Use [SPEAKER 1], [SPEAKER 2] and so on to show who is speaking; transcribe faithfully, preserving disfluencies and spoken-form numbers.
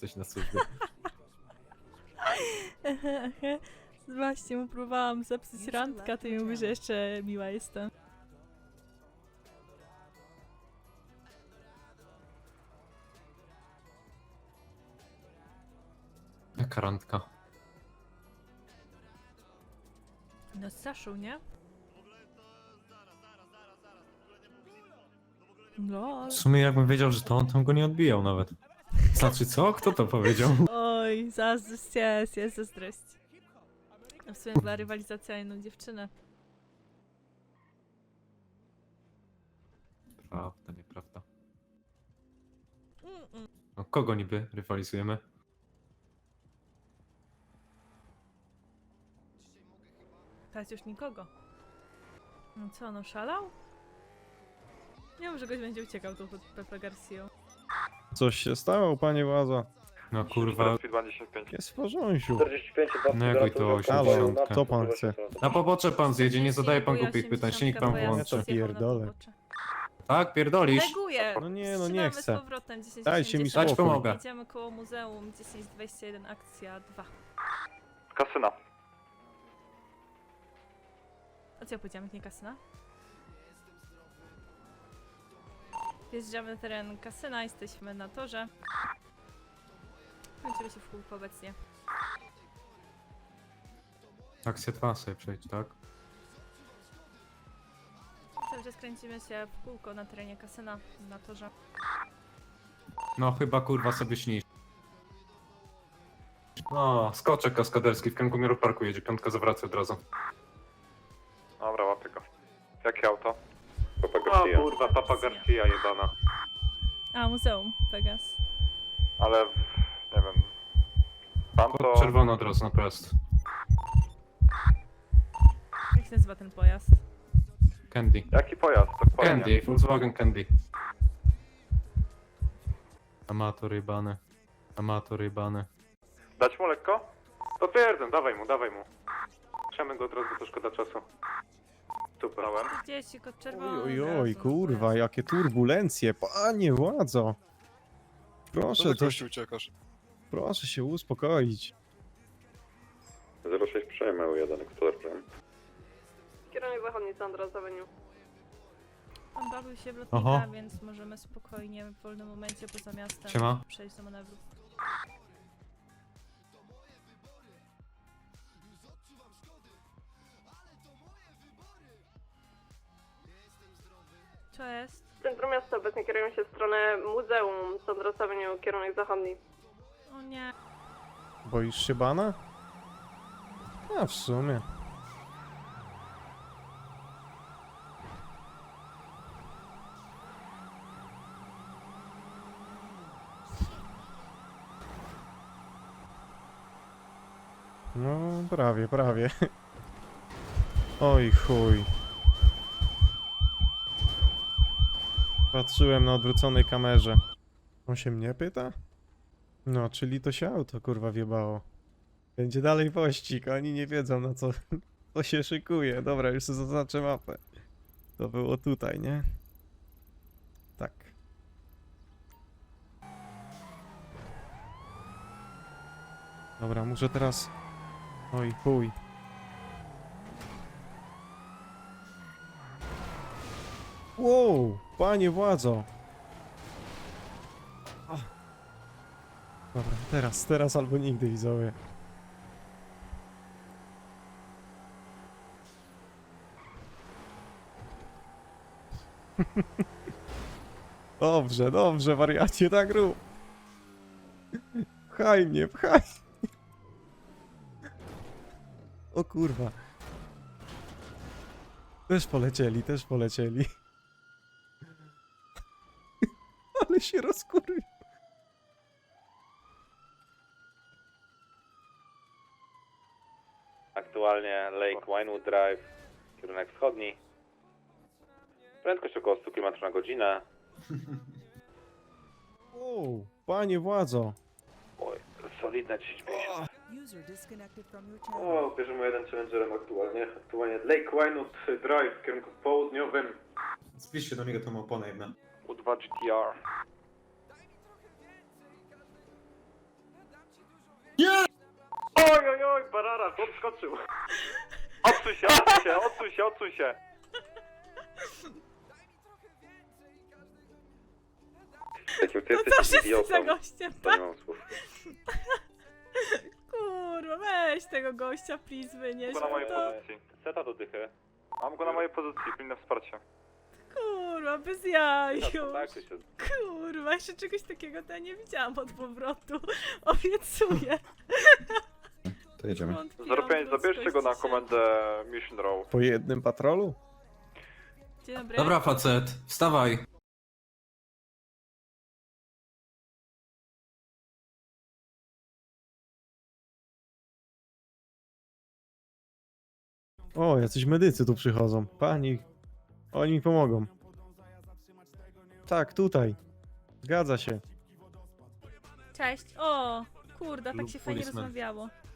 [SPEAKER 1] jesteś na służbie.
[SPEAKER 2] Właśnie mu próbowałam zepsuć randka, to mi mówi, że jeszcze miła jestem.
[SPEAKER 1] Jaka randka?
[SPEAKER 2] No z Saszą, nie? No,
[SPEAKER 1] W sumie jakbym wiedział, że to on, to bym go nie odbijał nawet. Znaczy co? Kto to powiedział?
[SPEAKER 2] oj, zazdrość jest, jest zazdrość. A w sumie była rywalizacja o jedną dziewczynę.
[SPEAKER 1] Prawda, nieprawda.
[SPEAKER 2] Mm-mm.
[SPEAKER 1] No kogo niby rywalizujemy?
[SPEAKER 2] Teraz już nikogo. No co, no szalał? Nie wiem, że goś będzie uciekał tu pod Pepe Garcia.
[SPEAKER 3] Coś się stało, panie władza?
[SPEAKER 1] No kurwa,
[SPEAKER 3] Jest w porządku.
[SPEAKER 4] czterdzieści pięć,
[SPEAKER 1] no jakoś to
[SPEAKER 3] Halo,
[SPEAKER 1] osiemdziesiąt.
[SPEAKER 3] co pan chce?
[SPEAKER 1] Na pobocze pan zjedzie, nie zadaje pan głupich pytań, silnik pan włączy.
[SPEAKER 3] Pierdolę.
[SPEAKER 1] Tak, pierdolisz?
[SPEAKER 2] Neguję!
[SPEAKER 3] No nie, no nie
[SPEAKER 2] Wstrzymamy
[SPEAKER 3] chcę.
[SPEAKER 2] z powrotem dziesięć
[SPEAKER 3] Dajcie mi
[SPEAKER 2] osiemdziesiąt.
[SPEAKER 1] Dać
[SPEAKER 3] spokój.
[SPEAKER 1] pomogę.
[SPEAKER 2] Jedziemy koło muzeum dziesięć dwadzieścia jeden akcja dwa.
[SPEAKER 4] Kasyna.
[SPEAKER 2] A co ja powiedziałam, jak nie kasyna? Wjeżdżamy na teren kasyna, jesteśmy na torze. Kończymy się w kółko obecnie.
[SPEAKER 1] Akcja dwa sobie przejdź, tak?
[SPEAKER 2] Cały czas kręcimy się w kółko na terenie kasyna, na torze.
[SPEAKER 1] No chyba kurwa sobie śnisz. No, skoczek kaskaderski w kierunku Mirror Parku jedzie, piątka zawraca od razu.
[SPEAKER 4] Dobra, łapię go. Jakie auto? Papa
[SPEAKER 1] O
[SPEAKER 4] Garcia.
[SPEAKER 1] kurwa, Papa Garcia jebana.
[SPEAKER 2] A, muzeum, Pegas.
[SPEAKER 4] Ale, nie wiem. Pan to...
[SPEAKER 1] Kod czerwony od razu na prost.
[SPEAKER 2] Jak się nazywa ten pojazd?
[SPEAKER 1] Candy.
[SPEAKER 4] Jaki pojazd? Dokładnie.
[SPEAKER 1] Candy, Volkswagen Candy. Amator jebany. Amator jebany.
[SPEAKER 4] Dać mu lekko?
[SPEAKER 1] Potwierdzam, dawaj mu, dawaj mu. Trzemy go od razu, to szkoda czasu. Super. Dałem.
[SPEAKER 2] Dzieci, kod czerwony.
[SPEAKER 3] Oj, oj,
[SPEAKER 2] zaraz
[SPEAKER 3] oj,
[SPEAKER 2] on
[SPEAKER 3] kurwa,
[SPEAKER 2] pojazd.
[SPEAKER 3] jakie turbulencje, panie władzo. Proszę, to,
[SPEAKER 5] gościu uciekasz.
[SPEAKER 3] proszę się uspokoić.
[SPEAKER 4] zero sześć przejmę u jeden, Explorer.
[SPEAKER 6] Kierunek zachodni, Sandra, Avenue.
[SPEAKER 2] On bawił się w lotnika,
[SPEAKER 1] Aha.
[SPEAKER 2] więc możemy spokojnie w wolnym momencie poza miastem
[SPEAKER 1] Siema.
[SPEAKER 2] przejść do manewru. Co jest?
[SPEAKER 6] W centrum miasta obecnie kierujemy się w stronę muzeum, Sandra Avenue, kierunek zachodni.
[SPEAKER 2] O nie.
[SPEAKER 3] Boisz się bana? A w sumie. No, prawie, prawie. Oj chuj. Patrzyłem na odwróconej kamerze. On się mnie pyta? No, czyli to się auto kurwa wjebało. Będzie dalej pościg, oni nie wiedzą na co, co się szykuje. Dobra, już sobie zaznaczę mapę. To było tutaj, nie? Tak. Dobra, muszę teraz... Oj, chuj. Wow, panie władzo. Ach. Dobra, teraz, teraz albo nigdy, widzowie. Dobrze, dobrze, wariacie, tak rób. Pchaj mnie, pchaj. O kurwa. Też polecieli, też polecieli. Ale się rozkurwił.
[SPEAKER 4] Aktualnie Lake Winewood Drive, kierunek wschodni. Prędkość około sto kilometrów na godzinę.
[SPEAKER 3] O, panie władzo.
[SPEAKER 4] Oj, solidne dziesięć pięćdziesiąt.
[SPEAKER 7] User disconnected from your channel.
[SPEAKER 1] O, bierzemy jeden challengerem aktualnie. Aktualnie Lake Winewood Drive w kierunku południowym. Zbliż się do niego tą oponę jedna.
[SPEAKER 4] U dwa G T R.
[SPEAKER 1] Nara, chłop skoczył.
[SPEAKER 4] Odsuń się, odsuń się, odsuń się, odsuń się. Ty
[SPEAKER 2] No co
[SPEAKER 4] jesteś
[SPEAKER 2] wszyscy za
[SPEAKER 4] idiotą.
[SPEAKER 2] gościem,
[SPEAKER 4] To nie
[SPEAKER 2] tak?
[SPEAKER 4] mam słów.
[SPEAKER 2] Kurwa, weź tego gościa, please, wynieś
[SPEAKER 4] Mam go na mojej
[SPEAKER 2] to.
[SPEAKER 4] pozycji. Seta do dychy. Mam go na mojej pozycji, pilne wsparcie.
[SPEAKER 2] Kurwa, bez jaj
[SPEAKER 4] Na
[SPEAKER 2] już.
[SPEAKER 4] kontakcie się.
[SPEAKER 2] Kurwa, jeszcze czegoś takiego to ja nie widziałam od powrotu. Obiecuję.
[SPEAKER 5] To jedziemy.
[SPEAKER 2] Wątpiłam
[SPEAKER 1] zero pięć, zabierzcie go na
[SPEAKER 2] ludzkość
[SPEAKER 1] komendę Mission Row.
[SPEAKER 3] Po jednym patrolu?
[SPEAKER 2] dzisiaj. Dzień dobry.
[SPEAKER 8] Dobra, facet, wstawaj.
[SPEAKER 3] O, jacyś medycy tu przychodzą. Pani, oni mi pomogą. Tak, tutaj. Zgadza się.
[SPEAKER 2] Cześć. O, kurda, tak
[SPEAKER 8] Lub
[SPEAKER 2] się fajnie
[SPEAKER 8] policeman.
[SPEAKER 2] rozmawiało.